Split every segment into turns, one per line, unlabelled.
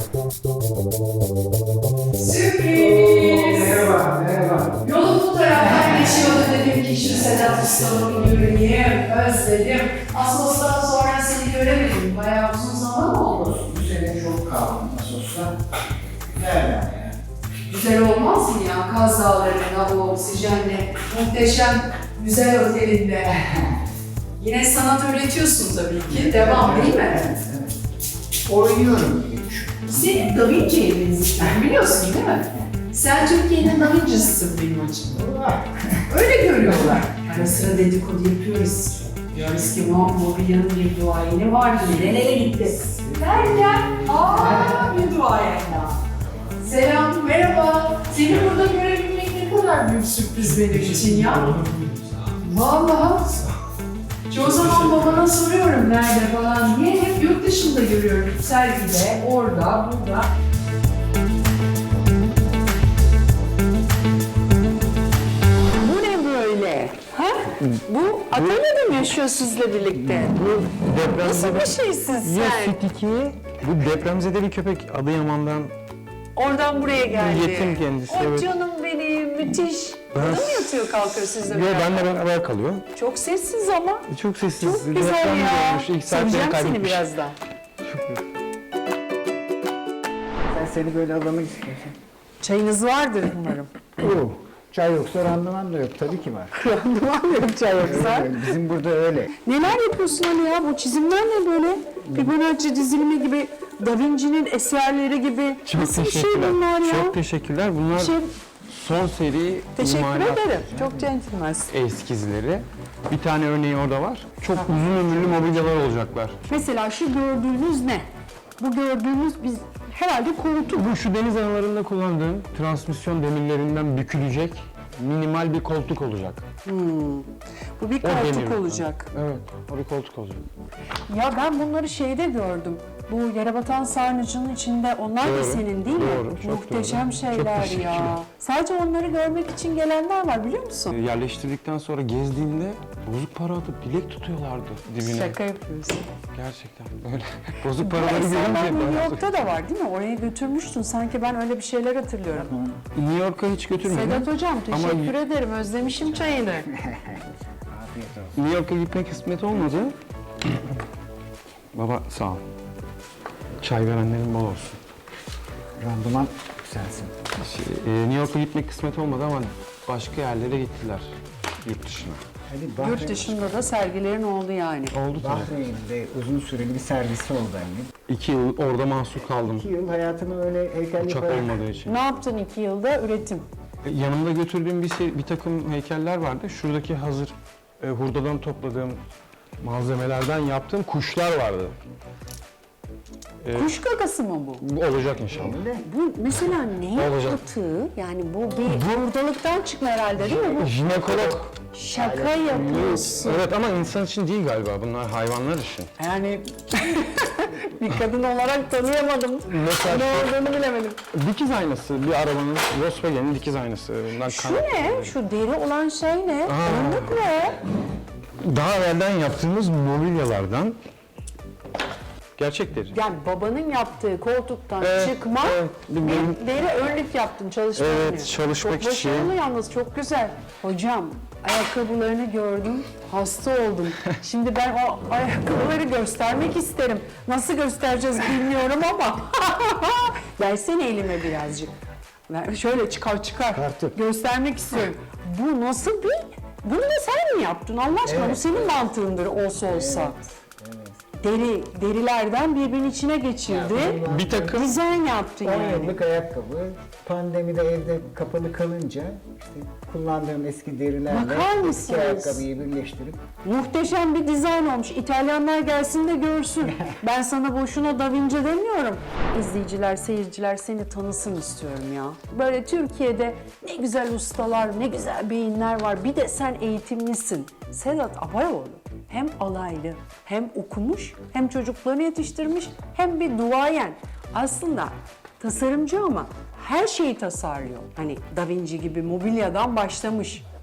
Sürpriz!
Merhaba, merhaba.
Yolum bu taraftan geçiyordu, dedim ki şu Sedat Usta'nı bir göreyim, özledim. Asos'tan sonra seni göremedim, bayağı uzun zaman oldu.
Bu sene çok kaldım Asos'ta. Güzel yani.
Güzel olmaz mı ya? Kaz Dağları'nda o oksijenle muhteşem güzel otelinde. Yine sanat üretiyorsun tabii ki, devam değil mi?
Evet. Oynuyorum diye düşünüyorum.
Senin Da Vinci'ye benziyorsun, biliyorsun değil mi? Sen Türkiye'nin Da Vinci'sisin benim açımdan. Öyle görüyorlar. Ara sıra dedikodu yapıyoruz. Diyoruz ki mobilyanın bir duayeni vardı, nerelere gitti? Derken, bir duayen daha. Selam, merhaba. Seni burada görebilmek ne kadar büyük sürpriz benim için ya. Vallahi. Çoğu zaman babana soruyorum nerede falan diye, hep yurt dışında görüyorum. Sergide, orada, burada. Bu ne böyle? Ha? Bu atölyede mi yaşıyor sizle birlikte? Nasıl bir şeysin
Ya
sen?
süt iki, bu depremzede bir köpek Adıyaman'dan
Oradan buraya geldi.
Yetim kendisi,
O
evet.
canım benim, müthiş. Burada mı yatıyor kalkıyor sizle
Yo,
beraber?
benle beraber kalıyor.
Çok sessiz ama.
Çok sessiz.
Çok güzel
Deprem
ya.
görmüş, ilk saatleri
Seveceğim seni
kaybetmiş.
birazdan.
Ben seni böyle alamak istiyorsan.
Çayınız vardır umarım.
Oo, çay yoksa randıman da yok. Tabii ki var.
Randıman yok çay yoksa.
Öyle, bizim burada öyle.
Neler yapıyorsun Ali ya? Bu çizimler ne böyle? Fibonacci dizilimi gibi, Da Vinci'nin eserleri gibi.
Çok
Nasıl bir şey
teşekkürler.
bunlar ya?
Çok teşekkürler. Bunlar
Şey,
son seri
teşekkür
imalat
ederim. Çok centilmensin.
eskizleri. Bir tane örneği orada var. Çok uzun ömürlü mobilyalar olacaklar.
Mesela şu gördüğünüz ne? Bu gördüğünüz biz herhalde koltuk.
Bu şu deniz analarında kullandığım transmisyon demirlerinden bükülecek minimal bir koltuk olacak.
Bu bir
O
koltuk
demir.
olacak.
Evet, o bir koltuk olacak.
Ya ben bunları şeyde gördüm. Bu Yerebatan Sarnıcı'nın içinde, onlar da
Doğru,
senin değil mi?
doğru, çok
Muhteşem
doğru. Çok
şeyler
teşekkürler.
ya. Sadece onları görmek için gelenler var biliyor musun?
Yerleştirdikten sonra gezdiğimde bozuk para atıp dilek tutuyorlardı dibine.
Şaka yapıyorsun.
Gerçekten öyle. Bozuk
Bu
paraları
eserler
görünce
New York'ta da var değil mi? Oraya götürmüştün. Sanki ben öyle bir şeyler hatırlıyorum.
New York'a hiç götürmedim.
Sedat Hocam
Ama
teşekkür ederim. Özlemişim çayını.
Afiyet olsun.
New York'a gitmek kısmet olmadı. Baba sağ ol. Çay verenlerin bol olsun.
Randıman sensin.
New York'a gitmek kısmet olmadı ama başka yerlere gittiler. Yurt dışına.
Hadi
Yurt dışında da sergilerin oldu yani.
Oldu tabii.
Bahreyn'de uzun süreli bir servisi oldu annem.
2 yıl orada mahsur kaldım.
2 yıl hayatını öyle heykelli
Uçak olmadığı için.
Ne yaptın 2 yılda? Üretim.
Yanımda götürdüğüm bir takım heykeller vardı. Şuradaki hazır hurdadan topladığım malzemelerden yaptığım kuşlar vardı.
Kuş gagası mı bu?
Bu olacak inşallah.
Bu mesela ne
Olacak.
atığı? Yani bu bir hurdalıktan çıkma herhalde değil mi? Bu
Jinekolog.
şaka yapıyorsun.
Evet ama insan için değil galiba. Bunlar hayvanlar için.
Yani bir kadın olarak tanıyamadım.
Mesela
Ne olduğunu bilemedim.
dikiz aynası. Bir arabanın, Volkswagen'in dikiz aynası. Bundan
Şu ne? Şu deri olan şey ne? Önlük ne?
Daha evvelden yaptığımız mobilyalardan gerçek deri.
Yani babanın yaptığı koltuktan
Evet,
çıkma
evet.
bir deri önlük yaptın çalışmak
Evet,
için.
çalışmak
çok
için.
başarılı yalnız, çok güzel. Hocam ayakkabılarını gördüm, hasta oldum. Şimdi ben o ayakkabıları göstermek isterim. Nasıl göstereceğiz bilmiyorum ama. Versene elime birazcık. Şöyle çıkar.
Artık.
Göstermek istiyorum. Bu nasıl bir... Bunu da sen mi yaptın Allah aşkına?
Evet.
Bu senin mantığındır olsa. Derilerden birbirinin içine geçirdi.
Bir takım
Dizayn yaptın
10
yani.
yıllık ayakkabı. Pandemide evde kapalı kalınca işte kullandığım eski derilerle
Bakar
eski
mısınız?
ayakkabıyı birleştirip
Muhteşem bir dizayn olmuş. İtalyanlar gelsin de görsün. Ben sana boşuna Da Vinci demiyorum. İzleyiciler, seyirciler seni tanısın istiyorum ya. Böyle Türkiye'de ne güzel ustalar, ne güzel beyinler var. Bir de sen eğitimlisin. Sedat Abayoğlu hem alaylı, hem okumuş, hem çocuklarını yetiştirmiş, hem bir duayen. Aslında tasarımcı ama her şeyi tasarlıyor. Hani Da Vinci gibi mobilyadan başlamış.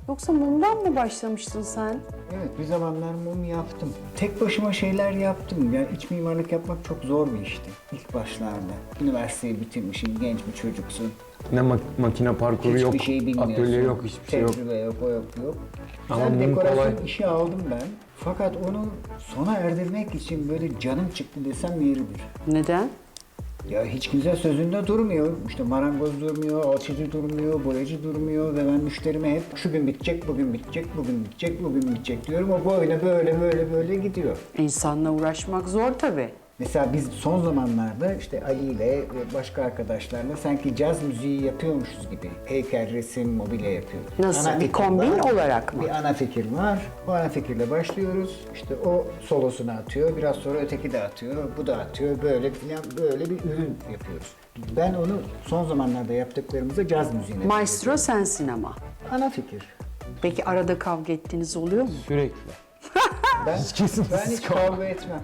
Yoksa mumdan mı başlamıştın sen?
Evet, bir zamanlar mum yaptım. Tek başıma şeyler yaptım. Yani iç mimarlık yapmak çok zor bir işti ilk başlarda. Üniversiteyi bitirmişsin, genç bir çocuksun.
Ne makine parkuru yok,
Hiçbir şey bilmiyorsun.
atölye yok, hiçbir şey yok.
Tecrübe yok, o yok, bu yok.
Ama
Güzel
mum
dekorasyon
kolay.
işi aldım ben. Fakat onu sona erdirmek için böyle canım çıktı desem yeridir.
Neden?
Ya hiç kimse sözünde durmuyor. İşte marangoz durmuyor, alçıcı durmuyor, boyacı durmuyor ve ben müşterime hep şu gün bitecek, bugün bitecek, bugün bitecek, bugün bitecek diyorum. O böyle gidiyor.
İnsanla uğraşmak zor tabii.
Mesela biz son zamanlarda işte Ali ile ve başka arkadaşlarla sanki caz müziği yapıyormuşuz gibi heykel, resim, mobilya yapıyoruz.
Nasıl? Bir
fikir
kombin
var,
olarak mı?
Bir ana fikir var. O ana fikirle başlıyoruz. İşte o solosunu atıyor, biraz sonra öteki de atıyor, bu da atıyor. Böyle bir ürün yapıyoruz. Ben onu son zamanlarda yaptıklarımızda caz müziğine
Maestro sensin ama.
ana fikir.
Peki arada kavga ettiğiniz oluyor mu?
Sürekli.
Ben,
kesintisiz
ben hiç kavga etmem.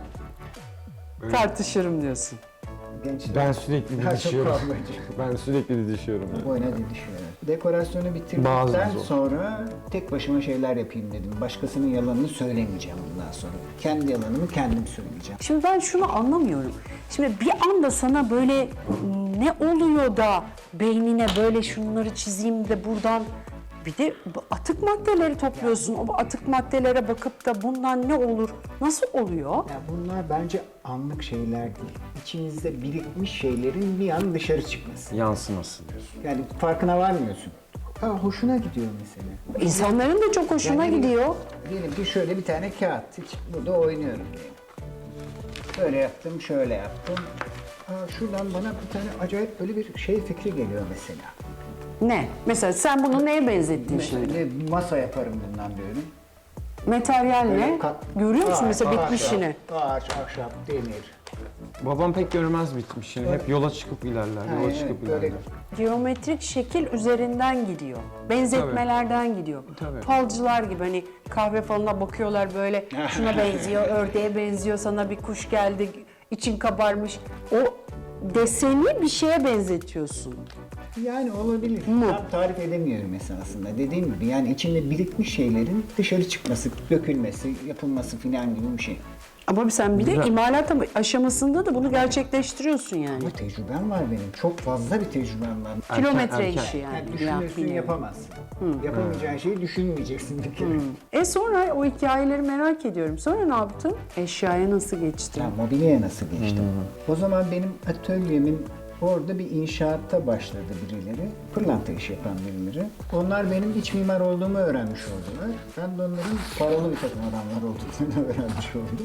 Tartışırım diyorsun.
Gençler.
Ben sürekli
Daha çok
didişiyorum.
kavgacı.
Ben sürekli didişiyorum.
Boyuna didişiyor. Dekorasyonu
Bazı
bitirdikten
zor.
sonra tek başıma şeyler yapayım dedim. Başkasının yalanını söylemeyeceğim bundan sonra. Kendi yalanımı kendim söyleyeceğim.
Şimdi ben şunu anlamıyorum. Şimdi bir anda sana böyle ne oluyor da beynine böyle şunları çizeyim de buradan bir de bu atık maddeleri topluyorsun. O atık maddelere bakıp da bundan ne olur? Nasıl oluyor?
Ya bunlar bence anlık şeyler değil. İçinizde birikmiş şeylerin bir an dışarı çıkması.
Yansıması diyorsun.
Yani farkına varmıyorsun. Hoşuna gidiyor mesela.
İnsanların da çok hoşuna
Yani
gidiyor.
Diyelim ki şöyle bir tane kağıt. Hiç burada oynuyorum diyelim. Böyle yaptım, şöyle yaptım. Şuradan bana bir tane acayip böyle bir şey fikri geliyor mesela.
Ne? Mesela sen bunu neye benzettin şimdi?
Mesela bir masa yaparım bundan diyorum.
Materyal ne? Görüyor musun mesela bitmişini?
Ağaç, ahşap, demir.
Babam pek görmez bitmişini. Hep yola çıkıp ilerler, yola
evet,
çıkıp
böyle-
ilerler.
Geometrik şekil üzerinden gidiyor. Benzetmelerden gidiyor.
Tabii.
Falcılar gibi hani kahve falına bakıyorlar böyle şuna benziyor, ördeğe benziyor, sana bir kuş geldi, için kabarmış. O deseni bir şeye benzetiyorsun.
Yani olabilir. Tam tarif edemiyorum esasında. Dediğim gibi yani içinde birikmiş şeylerin dışarı çıkması, dökülmesi, yapılması filan gibi bir şey.
Ama sen bir de
Güzel.
imalat aşamasında da bunu gerçekleştiriyorsun yani.
Ama tecrübem var benim. Çok fazla bir tecrübem var.
Kilometre
erken.
işi yani.
Yani düşünürsün
Yani.
yapamazsın. Yapamayacağın şeyi düşünmeyeceksin bir kere.
Sonra o hikayeleri merak ediyorum. Sonra ne yaptın? Eşyaya nasıl geçtin?
Ya mobilyaya nasıl geçtim? O zaman benim atölyemin orada bir inşaatta başladı birileri. Pırlanta işi yapan birileri. Onlar benim iç mimar olduğumu öğrenmiş oldular. Ben de onların paralı bir takım adamlar olduklarını öğrenmiş oldum.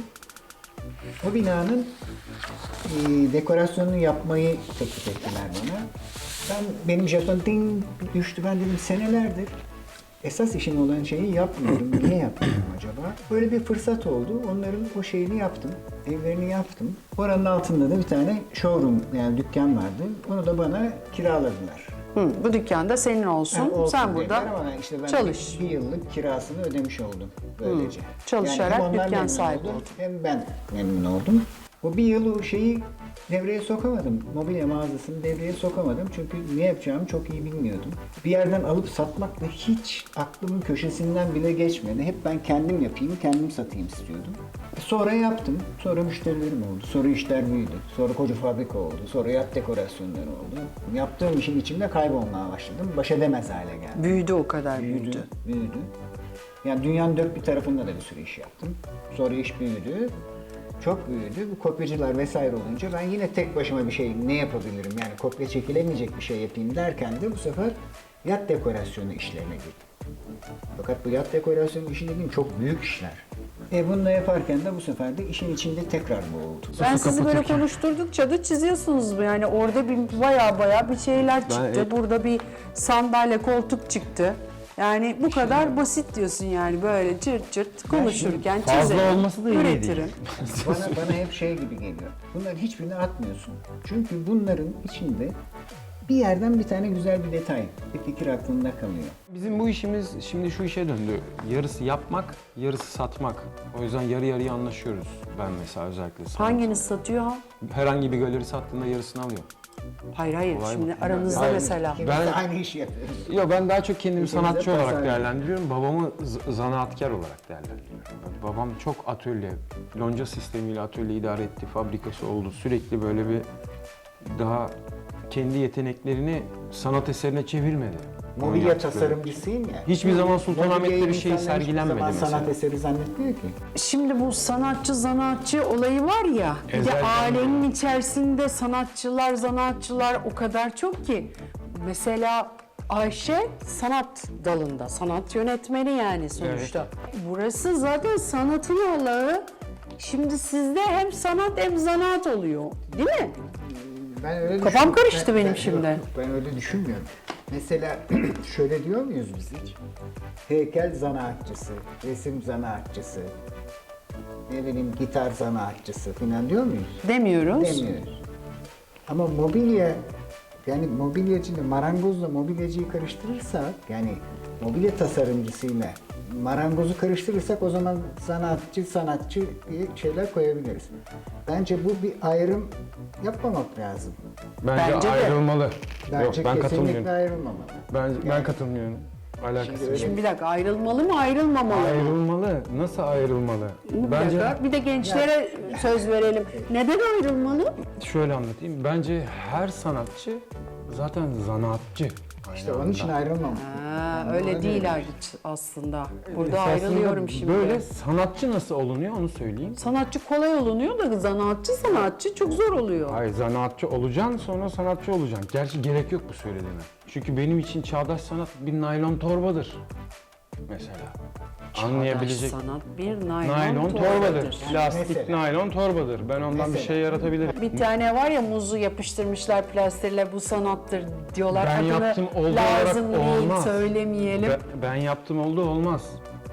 O binanın dekorasyonunu yapmayı teklif ettiler bana. Benim jeton ding düştü. Ben dedim senelerdir esas işim olan şeyi yapmıyorum. Niye yapmıyorum acaba? Böyle bir fırsat oldu. Onların o şeyini yaptım. Evlerini yaptım. Oranın altında da bir tane showroom yani dükkan vardı. Onu da bana kiraladılar.
Bu dükkanda senin olsun.
Yani olsun
Sen
dediler
burada
ama işte ben
çalış.
bir yıllık kirasını ödemiş oldum böylece.
Çalışarak
hem onlar
dükkan
memnun
sahibi
oldu,
oldun.
hem ben memnun oldum. O bir yıl o şeyi devreye sokamadım. Mobilya mağazasını devreye sokamadım. Çünkü ne yapacağımı çok iyi bilmiyordum. Bir yerden alıp satmak da hiç aklımın köşesinden bile geçmedi. Hep ben kendim yapayım, kendim satayım istiyordum. Sonra yaptım. Sonra müşterilerim oldu. Sonra işler büyüdü. Sonra koca fabrika oldu. Sonra yat dekorasyonları oldu. Yaptığım işin içinde kaybolmaya başladım. Baş edemez hale geldim.
Büyüdü o kadar büyüdü.
Büyüdü. Yani dünyanın dört bir tarafında da bir sürü iş yaptım. Sonra iş büyüdü. Çok büyüdü. Bu kopyacılar vesaire olunca ben yine tek başıma bir şey ne yapabilirim? Yani kopya çekilemeyecek bir şey yapayım derken de bu sefer yat dekorasyonu işlerine girdim. Fakat bu yat dekorasyonu işi dediğim çok büyük işler. Bununla yaparken de bu sefer de işin içinde tekrar boğuldu.
Ben sizi böyle konuşturdukça da çiziyorsunuz yani orada bir baya bir şeyler çıktı. Burada bir sandalye, koltuk çıktı. Yani bu kadar basit diyorsun yani böyle cırt cırt konuşurken
fazla
çizerim,
olması da iyi
üretirim.
değil.
Bana hep şey gibi geliyor. Bunların hiçbirini atmıyorsun. Çünkü bunların içinde bir yerden bir tane güzel bir detay, bir fikir aklında kalıyor.
Bizim bu işimiz şimdi şu işe döndü. Yarısı yapmak, yarısı satmak. O yüzden yarı yarıya anlaşıyoruz. Ben mesela özellikle.
Hanginiz satıyor?
Herhangi bir galeri sattığında yarısını alıyor.
Hayır hayır,
Olay
şimdi
mı?
aranızda
Hayır.
mesela.
İkimiz
Ben-
de aynı işi yapıyoruz.
Yok, ben daha çok kendimi
İkimiz de
sanatçı olarak
tasarım.
değerlendiriyorum. Babamı zanaatkar olarak değerlendiriyorum. Babam çok atölye, lonca sistemiyle atölye idare etti, fabrikası oldu. Sürekli böyle bir daha kendi yeteneklerini sanat eserine çevirmedi. Onun
Mobilya
yaptıkları.
tasarımcısıyım ya.
Hiçbir zaman Sultanahmet'te
Mobilyayı
bir şey
insanlar hiçbir
sergilenmedi
zaman
mesela.
sanat eseri zannetmiyor ki.
Şimdi bu sanatçı zanaatçı olayı var ya, bir de
Ezelden
ailenin içerisinde sanatçılar, zanaatçılar o kadar çok ki. Mesela Ayşe sanat dalında, sanat yönetmeni yani sonuçta. Burası zaten sanatın Allah'ı. Şimdi sizde hem sanat hem zanaat oluyor, değil mi?
Ben öyle
Kafam
düşünmüyorum.
karıştı benim şimdi.
Yok, ben öyle düşünmüyorum. Mesela şöyle diyor muyuz biz hiç? Heykel zanaatçısı, resim zanaatçısı, ne bileyim gitar zanaatçısı falan diyor muyuz?
Demiyoruz.
Demiyoruz. Ama mobilya, yani mobilyacıyla marangozla mobilyacıyı karıştırırsak, yani mobilya tasarımcısıyla marangozu karıştırırsak o zaman sanatçı diye şeyler koyabiliriz. Bence bu bir ayrım yapmamak lazım.
Bence
Bence de.
ayrılmalı.
Bence
Yok, ben
kesinlikle
katılmıyorum.
ayrılmamalı.
Ben katılmıyorum. Alakası yok.
Şimdi bir dakika, ayrılmalı mı ayrılmamalı mı?
Ayrılmalı. Nasıl ayrılmalı?
Bir
Bence
dakika, bir de gençlere söz verelim. Neden ayrılmalı?
şöyle anlatayım. Bence her sanatçı zaten zanaatçı.
İşte onun için ayrılmamalı.
Ha, öyle değil aslında. Burada
Esasında
ayrılıyorum şimdi.
Böyle sanatçı nasıl olunuyor onu söyleyeyim.
Sanatçı kolay olunuyor da sanatçı çok zor oluyor.
Hayır, zanaatçı olacaksın, sonra sanatçı olacaksın. Gerçi gerek yok bu söylediğine. Çünkü benim için çağdaş sanat bir naylon torbadır. Mesela. Anlayabilecek.
Sanat bir
Naylon torbadır. Plastik
Mesela.
naylon torbadır. Ben ondan bir
Mesela.
şey yaratabilirim.
Bir tane var ya, muzu yapıştırmışlar plasterle, bu sanattır diyorlar.
Ben
Adını
yaptım, olduğu
lazım
olarak
değil,
olmaz.
söylemeyelim.
Ben yaptım oldu olmaz.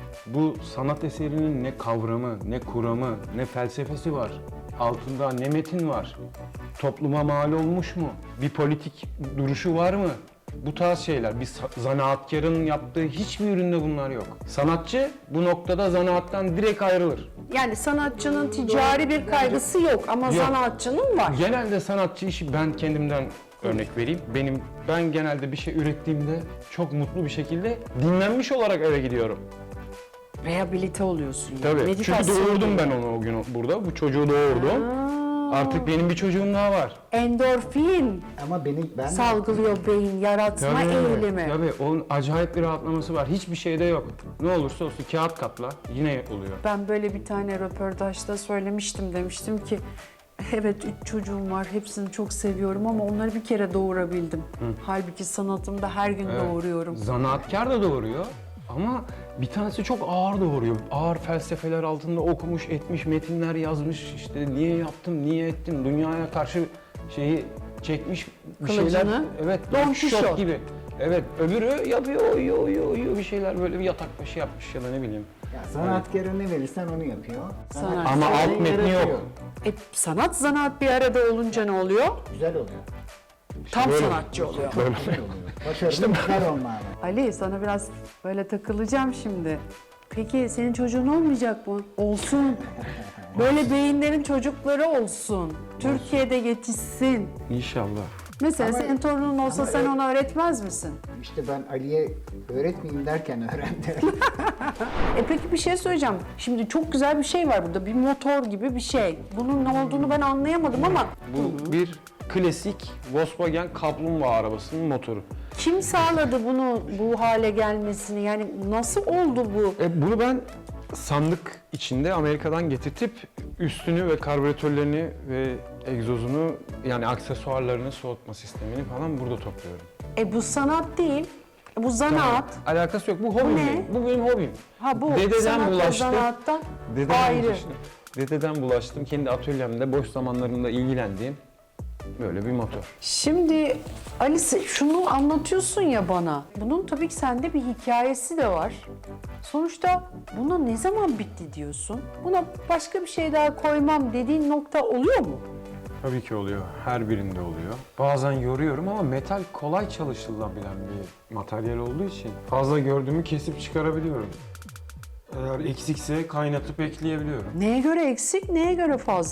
Bu sanat eserinin ne kavramı, ne kuramı, ne felsefesi var. Altında ne metin var. Topluma mal olmuş mu? Bir politik duruşu var mı? Bu tarz şeyler. Bir zanaatkarın yaptığı hiçbir üründe bunlar yok. Sanatçı bu noktada zanaattan direkt ayrılır.
Yani sanatçının ticari bir kaygısı yok ama
Yok.
sanatçının var.
Genelde sanatçı işi, ben kendimden örnek vereyim. Ben genelde bir şey ürettiğimde çok mutlu bir şekilde dinlenmiş olarak eve gidiyorum.
Rehabilite oluyorsun. Yani.
Tabii. Çünkü
Meditasyon
doğurdum
gibi.
ben onu o gün burada. Bu çocuğu doğurdum. Artık benim bir çocuğum daha var.
Endorfin
Ama ben
salgılıyor beyin, yaratma eğilimi.
Tabii. Onun acayip bir rahatlaması var. Hiçbir şeyde yok. Ne olursa olsun kağıt katla yine oluyor.
Ben böyle bir tane röportajda söylemiştim, demiştim ki evet 3 çocuğum var, hepsini çok seviyorum ama onları bir kere doğurabildim. Halbuki sanatımda her gün
Evet.
doğuruyorum.
Zanaatkar da doğuruyor ama bir tanesi çok ağır doğuruyor. Ağır felsefeler altında okumuş, etmiş, metinler yazmış. İşte niye yaptım, niye ettim, dünyaya karşı şeyi çekmiş bir
Kılıcını,
şeyler. Evet,
Don
Don
Kişot
gibi. Evet, öbürü yapıyor, uyuyor bir şeyler, böyle bir yatak başı yapmış ya da ne bileyim.
Ya sanatkara ne verirsen onu yapıyor.
Sanat.
Ama
Sanatçı
alt metni
yaratıyor.
yok.
Sanat zanaat bir arada olunca ne oluyor?
Güzel oluyor.
Tam
Böyle.
sanatçı oluyor.
Güzel oluyor. Başarılı güzel olmalı.
Ali, sana biraz böyle takılacağım şimdi. Peki senin çocuğun olmayacak mı? Olsun. Böyle beyinlerin çocukları olsun. Türkiye'de yetişsin.
İnşallah.
Mesela
Ama-
senin torunun olsa
ama
sen
evet.
ona öğretmez misin?
İşte ben Ali'ye öğretmeyeyim derken öğrendim.
Peki bir şey söyleyeceğim. Şimdi çok güzel bir şey var burada. Bir motor gibi bir şey. Bunun ne olduğunu ben anlayamadım ama
Bu bir klasik Volkswagen kaplumbağa arabasının motoru.
kim sağladı bunu bu hale gelmesini? Yani nasıl oldu bu?
Bunu ben sandık içinde Amerika'dan getirtip üstünü ve karbüratörlerini ve egzozunu, yani aksesuarlarını, soğutma sistemini falan burada topluyorum.
Bu sanat değil. Bu zanaat.
Alakası yok. Bu hobim
ne?
benim. Bu benim hobim.
Ha bu
Dededen
sanat ve
bulaştı.
zanaattan
Dededen
ayrı.
bulaştım. Dededen bulaştım. Kendi atölyemde boş zamanlarımda ilgilendiğim böyle bir motor.
Şimdi Alice, şunu anlatıyorsun ya bana. Bunun tabii ki sende bir hikayesi de var. Sonuçta buna ne zaman bitti diyorsun? Buna başka bir şey daha koymam dediğin nokta oluyor mu?
Tabii ki oluyor. Her birinde oluyor. Bazen yoruyorum ama metal kolay çalışılabilen bir materyal olduğu için fazla gördüğümü kesip çıkarabiliyorum. Eğer eksikse kaynatıp ekleyebiliyorum.
Neye göre eksik, neye göre fazla?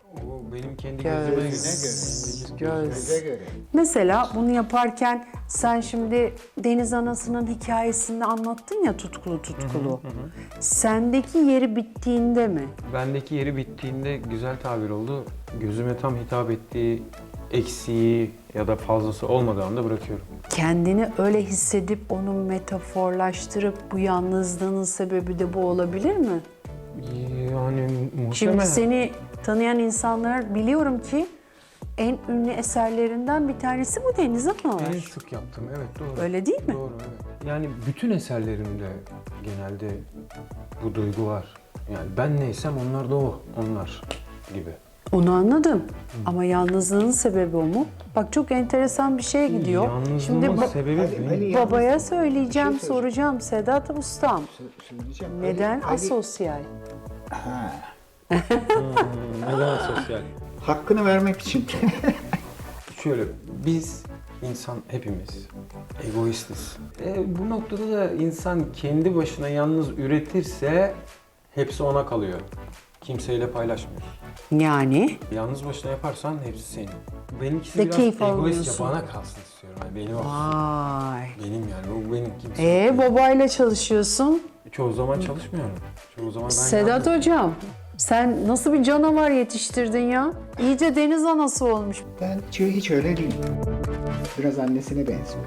O benim kendi
Göz.
gözüme göre.
Göze göre.
Mesela bunu yaparken sen şimdi Deniz Anası'nın hikayesini anlattın ya tutkulu. Sendeki yeri bittiğinde mi?
Bendeki yeri bittiğinde güzel tabir oldu. Gözüme tam hitap ettiği eksiği ya da fazlası olmadığı anda bırakıyorum.
Kendini öyle hissedip onu metaforlaştırıp bu yalnızlığının sebebi de bu olabilir mi?
Yani muhtemelen.
Şimdi seni tanıyan insanlar biliyorum ki en ünlü eserlerinden bir tanesi bu Deniz Ana.
En sık yaptım, evet doğru.
Öyle değil mi?
Doğru, evet. Yani bütün eserlerimde genelde bu duygu var. Yani ben neysem onlar da onlar gibi.
Onu anladım. Ama yalnızlığın sebebi o mu? Bak çok enteresan bir şeye gidiyor.
Yalnızlığımın sebebi
Ali-
benim.
Ali-
Babaya söyleyeceğim,
Bir şey söyleyeceğim.
soracağım. Sedat Ustam,
Söyleyeceğim.
neden
Ali-
asosyal?
Ha,
Neden sosyal?
hakkını vermek için.
Şöyle, biz insan hepimiz egoistiz. Bu noktada da insan kendi başına yalnız üretirse hepsi ona kalıyor. Kimseyle paylaşmıyor.
Yani
Yalnız başına yaparsan hepsi senin. Benimkisi
Ve
biraz
keyif
egoistçe
almıyorsun.
bana kalsın istiyorum. Yani benim olsun.
vay.
Benim yani bu benim kimse.
Babayla çalışıyorsun.
Çoğu zaman çalışmıyorum. Çoğu zaman ben
Sedat
yalnız-
Hocam, sen nasıl bir canavar yetiştirdin ya? İyice deniz anası olmuş.
Ben hiç öyle değilim. Biraz annesine benziyor.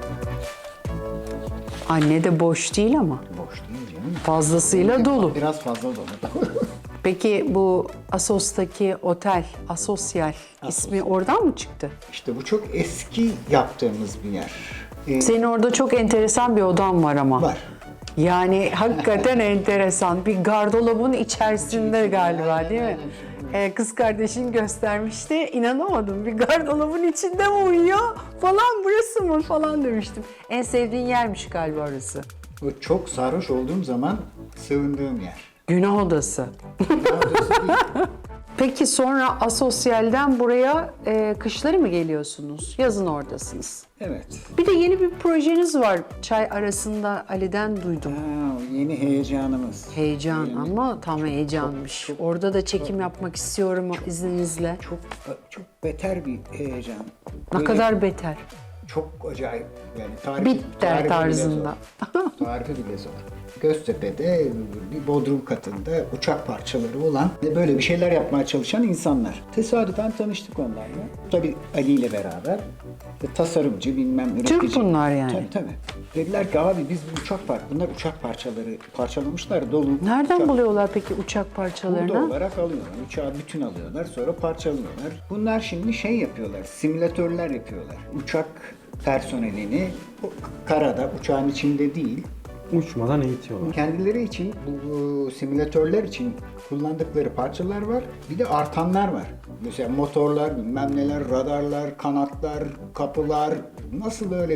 Anne de boş değil ama.
Boş değil canım.
Fazlasıyla dolu.
Biraz fazla dolu.
Peki bu Assos'taki otel, Asosyal ismi oradan mı çıktı?
İşte bu çok eski yaptığımız bir yer.
Senin orada çok enteresan bir odan var ama.
Var.
Yani hakikaten enteresan. Bir gardırobun içerisinde galiba değil mi? Kız kardeşin göstermişti. İnanamadım. Bir gardırobun içinde mi uyuyor? Falan burası mı? Falan demiştim. En sevdiğin yermiş galiba orası.
O çok sarhoş olduğum zaman sığındığım yer.
Günah odası.
Orası değil.
Peki sonra Asosyal'den buraya kışları mı geliyorsunuz? Yazın oradasınız.
Evet.
Bir de yeni bir projeniz var. Çay arasında Ali'den duydum.
Ha, o yeni heyecanımız.
Heyecan
Yeni-
ama tam heyecanmış. Orada da çekim yapmak istiyorum izninizle.
Çok beter bir heyecan.
Ne
Böyle
kadar beter.
çok acayip. Yani tarifi
Bitter
bile
tarzında.
zor. Tarifi bile zor. Göztepe'de bir bodrum katında uçak parçaları olan böyle bir şeyler yapmaya çalışan insanlar. Tesadüfen tanıştık onlarla. Tabii Ali ile beraber. Tasarımcı, bilmem üretici.
Türk bunlar yani.
Tabii. Dediler ki abi biz bu bunlar uçak parçaları parçalamışlar dolu.
Nereden
uçak-
buluyorlar peki uçak
Burada
parçalarını?
olarak alıyorlar. Uçağı bütün alıyorlar, sonra parçalıyorlar. Bunlar şimdi şey yapıyorlar, simülatörler yapıyorlar. Uçak personelini karada, uçağın içinde değil,
Uçmadan eğitiyorlar.
kendileri için, bu simülatörler için kullandıkları parçalar var. Bir de artanlar var. Mesela motorlar, bilmem neler, radarlar, kanatlar, kapılar, nasıl böyle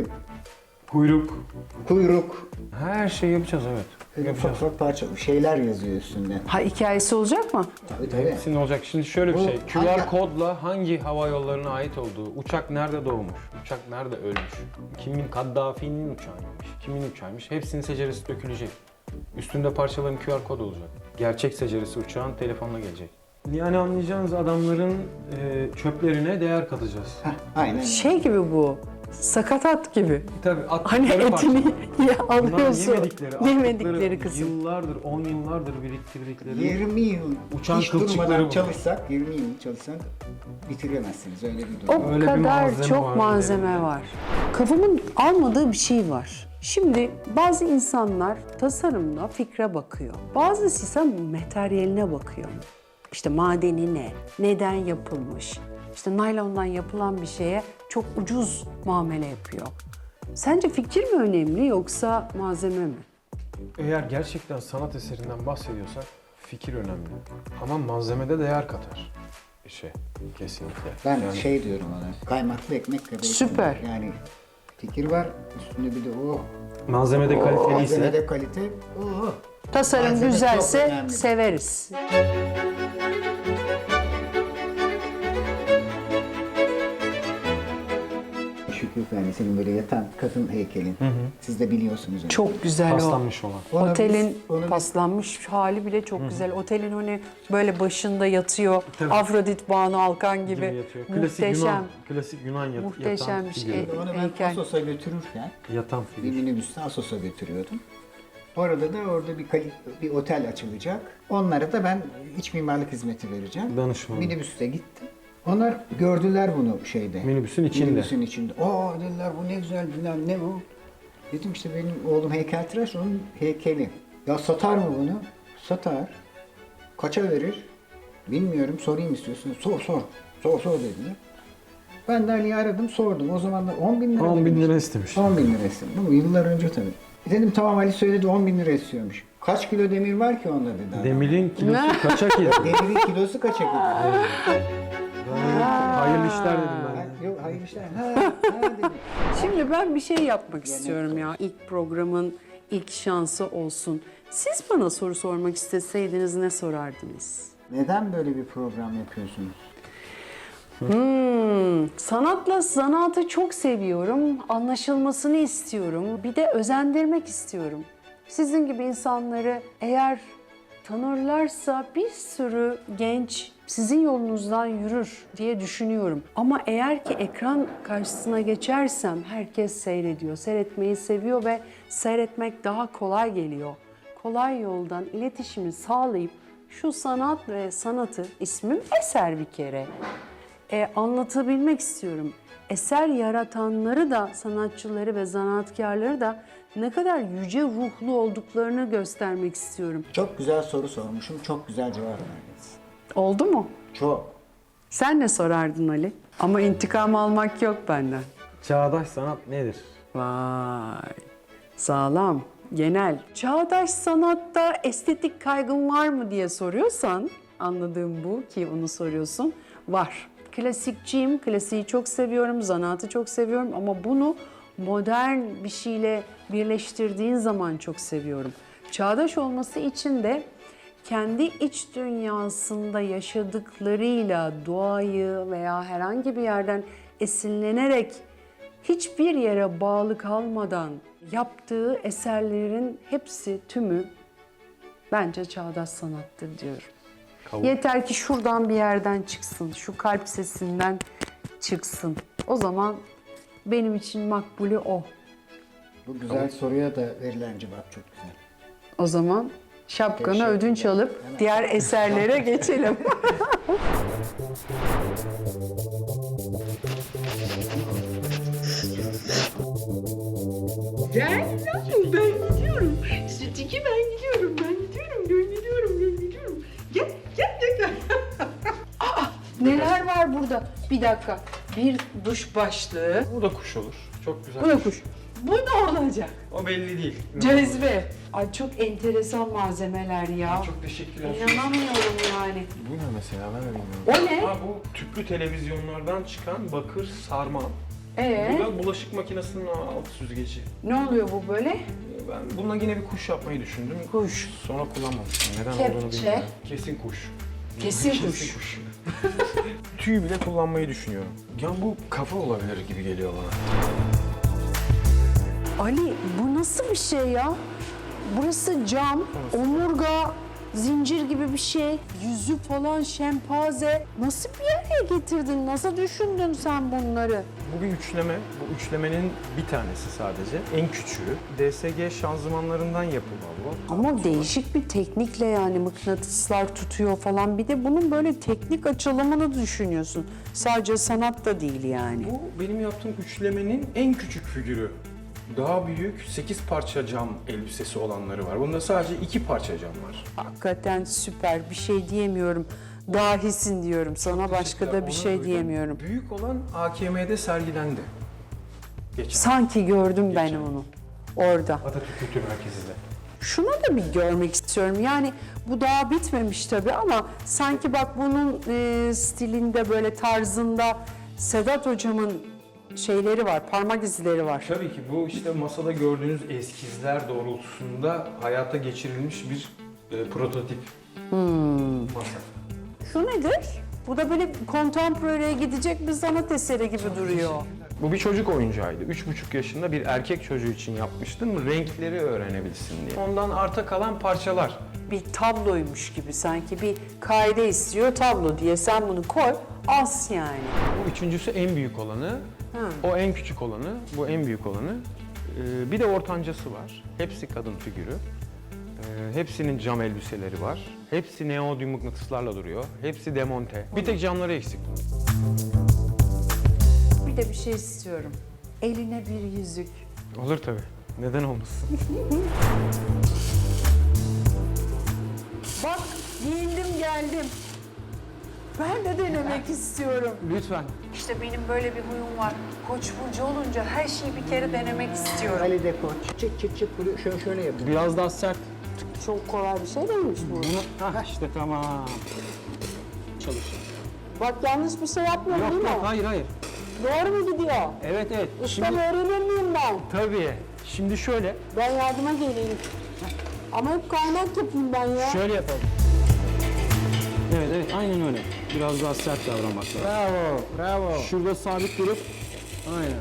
kuyruk,
Her şeyi yapacağız, evet.
ufak
Yapacağız.
ufak parçalı şeyler yazıyor üstünde.
Ha hikayesi olacak mı?
Tabii.
Hepsinin olacak. Şimdi şöyle bir
Bu
şey. QR
hangi-
kodla hangi hava yollarına ait olduğu, uçak nerede doğmuş, uçak nerede ölmüş, kimin Kaddafi'nin uçağıymış, kimin uçağıymış, hepsinin seceresi dökülecek. Üstünde parçaların QR kod olacak. Gerçek seceresi uçağın telefonla gelecek. Yani anlayacağınız adamların çöplerine değer katacağız.
Heh, aynen.
Şey gibi bu. Sakatat gibi.
Tabii
Hani
attıkları
etini
parçalar. Bunlar
alıyorsun.
yemedikleri
Yemedikleri kısım.
yıllardır, 10 yıllardır biriktirdikleri
20 yıl
Uçan
hiç
kılçıkları
durmadan
bu.
çalışsak, 20 yıl çalışsak bitiremezsiniz öyle bir durum.
O
Öyle bir
kadar
malzeme
çok
var
malzeme
üzerinde.
var. Kafamın almadığı bir şey var. Şimdi bazı insanlar tasarımla fikre bakıyor. Bazısı ise materyaline bakıyor. İşte madeni ne? Neden yapılmış? İşte naylondan yapılan bir şeye çok ucuz muamele yapıyor. Sence fikir mi önemli yoksa malzeme mi?
Eğer gerçekten sanat eserinden bahsediyorsak fikir önemli. Ama malzemede değer katar işe kesinlikle.
Ben
Yani
şey diyorum ona, kaymaklı ekmek kadar.
Süper.
Yani fikir var, üstünde bir de o
malzemede kaliteliyse
malzemede kalite. Oh.
Tasarım
Malzeme çok
güzelse
önemli.
severiz.
Şükrü Efendi'nin böyle yatan kadın heykelin. Siz de biliyorsunuz onu.
Çok güzel
Paslanmış olan.
Ona
Otelin
biz- onu biz-
paslanmış hali bile çok güzel. Otelin hani böyle başında yatıyor.
Tabii.
Afrodit Banu Alkan gibi.
Yatıyor.
Muhteşem.
Klasik Yunan
Muhteşem bir şey.
Onu ben
heykel.
Assos'a götürürken
Yatan
bir
figür.
minibüste Assos'a götürüyordum. Orada da orada bir otel açılacak. Onlara da ben iç mimarlık hizmeti vereceğim.
Danışmanlık.
Minibüste gittim. Onlar gördüler bunu şeyde.
Minibüsün içinde.
Minibüsün içinde. Aa dediler bu ne güzel bilmem ne bu. Dedim işte benim oğlum heykeltıraş onun heykeli. Ya satar mı bunu? Satar. Kaça verir? Bilmiyorum sorayım istiyorsun. Sor dediler. Ben de Ali'yi aradım sordum. O zamanlar 10 bin lira
10 bin
demiş.
lira istemiş.
10 bin lira istedim. Bu yıllar önce tabii. Dedim tamam Ali söyledi 10 bin lira istiyormuş. Kaç kilo demir var ki onda dedi adam.
Demirin kilosu kaça kilo?
Demirin kilosu kaça gidiyor?
Hayırlı işler dedim ben. de.
Yok hayır işte. Ha dedim.
Şimdi ben bir şey yapmak istiyorum ya. İlk programın ilk şansı olsun. Siz bana soru sormak isteseydiniz ne sorardınız?
Neden böyle bir program yapıyorsunuz?
Sanatla zanaatı çok seviyorum. Anlaşılmasını istiyorum. Bir de özendirmek istiyorum. Sizin gibi insanları eğer tanırlarsa bir sürü genç sizin yolunuzdan yürür diye düşünüyorum. Ama eğer ki ekran karşısına geçersem herkes seyrediyor. Seyretmeyi seviyor ve seyretmek daha kolay geliyor. Kolay yoldan iletişimi sağlayıp şu sanat ve sanatı, ismim Eser bir kere, anlatabilmek istiyorum. Eser yaratanları da, sanatçıları ve zanaatkarları da ne kadar yüce ruhlu olduklarını göstermek istiyorum.
Çok güzel soru sormuşum. Çok güzel cevap verdiniz.
Oldu mu?
Çok.
Sen ne sorardın Ali? Ama intikam almak yok benden.
Çağdaş sanat nedir?
Vay, sağlam, genel. Çağdaş sanatta estetik kaygın var mı diye soruyorsan, anladığım bu ki onu soruyorsun, var. Klasikçiyim, klasiği çok seviyorum, zanaatı çok seviyorum ama bunu modern bir şeyle birleştirdiğin zaman çok seviyorum. Çağdaş olması için de kendi iç dünyasında yaşadıklarıyla doğayı veya herhangi bir yerden esinlenerek hiçbir yere bağlı kalmadan yaptığı eserlerin hepsi, tümü bence çağdaş sanattır diyorum. Yeter ki şuradan bir yerden çıksın, şu kalp sesinden çıksın. O zaman benim için makbulü o.
Bu güzel soruya da verilen cevap çok güzel.
O zaman şapkanı
Teşekkürler.
ödünç alıp
Hemen.
diğer eserlere geçelim. Ben gidiyorum. Sütücü ben gidiyorum. Gel. Aa, neler var burada? Bir dakika. Bir duş başlığı.
Bu da kuş olur. Çok güzel.
Bu da kuş. Bu ne olacak?
O belli değil.
Cezve. Ay çok enteresan malzemeler ya.
Çok teşekkürler.
İnanamıyorum yani.
Bu ne mesela ben de bilmiyorum.
O ne?
Ha, bu tüplü televizyonlardan çıkan bakır sarma. Bu
Ee,
da bulaşık makinesinin alt süzgeci.
ne oluyor bu böyle?
Ben bununla yine bir kuş yapmayı düşündüm.
Kuş.
Sonra kullanmamıştım. Neden
Kepçe.
olduğunu bilmiyorum. Kesin kuş.
Kesin kuş.
Tüy bile kullanmayı düşünüyorum. Ya bu kafa olabilir gibi geliyor bana.
Ali bu nasıl bir şey ya? Burası cam, omurga, zincir gibi bir şey. Yüzü falan şempanze. Nasıl bir yere getirdin? Nasıl düşündün sen bunları?
Bu bir üçleme. Bu üçlemenin bir tanesi sadece. En küçüğü. DSG şanzımanlarından yapılma bu.
Ama değişik bir teknikle yani mıknatıslar tutuyor falan. Bir de bunun böyle teknik açılımını düşünüyorsun. Sadece sanat da değil yani.
Bu benim yaptığım üçlemenin en küçük figürü. Daha büyük 8 parça cam elbisesi olanları var. Bunda sadece 2 parça cam var.
Hakikaten süper. Bir şey diyemiyorum. Dahisin diyorum. Sana başka da bir
Onu
şey
duydum.
diyemiyorum.
Büyük olan AKM'de sergilendi. Geçen.
Sanki gördüm ben onu orada.
Atatürk Kültür Merkezi'nde.
Şunu da bir görmek istiyorum. Yani bu daha bitmemiş tabii ama sanki bak bunun stilinde böyle tarzında Sedat hocamın şeyleri var, parmak izleri var.
Tabii ki bu işte masada gördüğünüz eskizler doğrultusunda hayata geçirilmiş bir prototip masa.
Şu nedir? Bu da böyle contemporary'e gidecek bir sanat eseri gibi duruyor.
Bu bir çocuk oyuncağıydı. 3,5 yaşında bir erkek çocuğu için yapmıştım. Renkleri öğrenebilsin diye. Ondan arta kalan parçalar.
Bir tabloymuş gibi sanki bir kaide istiyor tablo diye sen bunu koy as yani.
Bu üçüncüsü en büyük olanı. O en küçük olanı, bu en büyük olanı. Bir de ortancası var. Hepsi kadın figürü. Hepsinin cam elbiseleri var. Hepsi neodyum mıknatıslarla duruyor. Hepsi demonte. Bir tek camları eksik.
Bir de bir şey istiyorum. Eline bir yüzük.
Olur tabii. Neden olmasın?
Bak giyindim geldim. Ben de denemek istiyorum.
Lütfen.
İşte benim böyle bir huyum var. Koç burcu olunca her şeyi bir kere denemek istiyorum.
Ali de koç. Çıt çıt çıt vuruyor. Şöyle yapıyor.
Biraz daha sert.
Çok kolay bir şey değilmiş bu.
İşte tamam. Çalış.
Bak yanlış bir şey yapmıyorum değil mi?
hayır.
Doğru mu gidiyor?
Evet.
Ustam öğrenir miyim ben?
Tabii. Şimdi şöyle.
Ben yardıma geleyim. Ama hep kaynak yapayım ben ya.
Şöyle yapalım. Evet, aynen öyle. Biraz daha sert davranmak lazım.
Bravo.
Şurada sabit durup, aynen.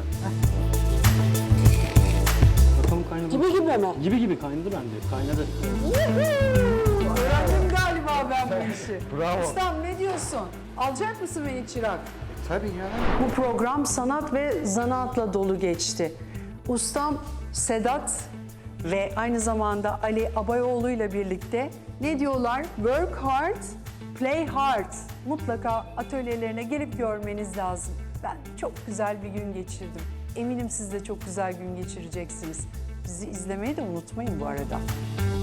Bakalım kaynadı.
Gibi mi?
Gibi kaynadı bence, kaynadı.
Öğrendim galiba ben bu işi.
Bravo.
Ustam ne diyorsun? Alacak mısın beni çırak?
Tabii ya.
Bu program sanat ve zanaatla dolu geçti. Ustam Sedat ve aynı zamanda Ali Abayoğlu ile birlikte ne diyorlar? Work hard, play hard. Mutlaka atölyelerine gelip görmeniz lazım. Ben çok güzel bir gün geçirdim. Eminim siz de çok güzel gün geçireceksiniz. Bizi izlemeyi de unutmayın bu arada.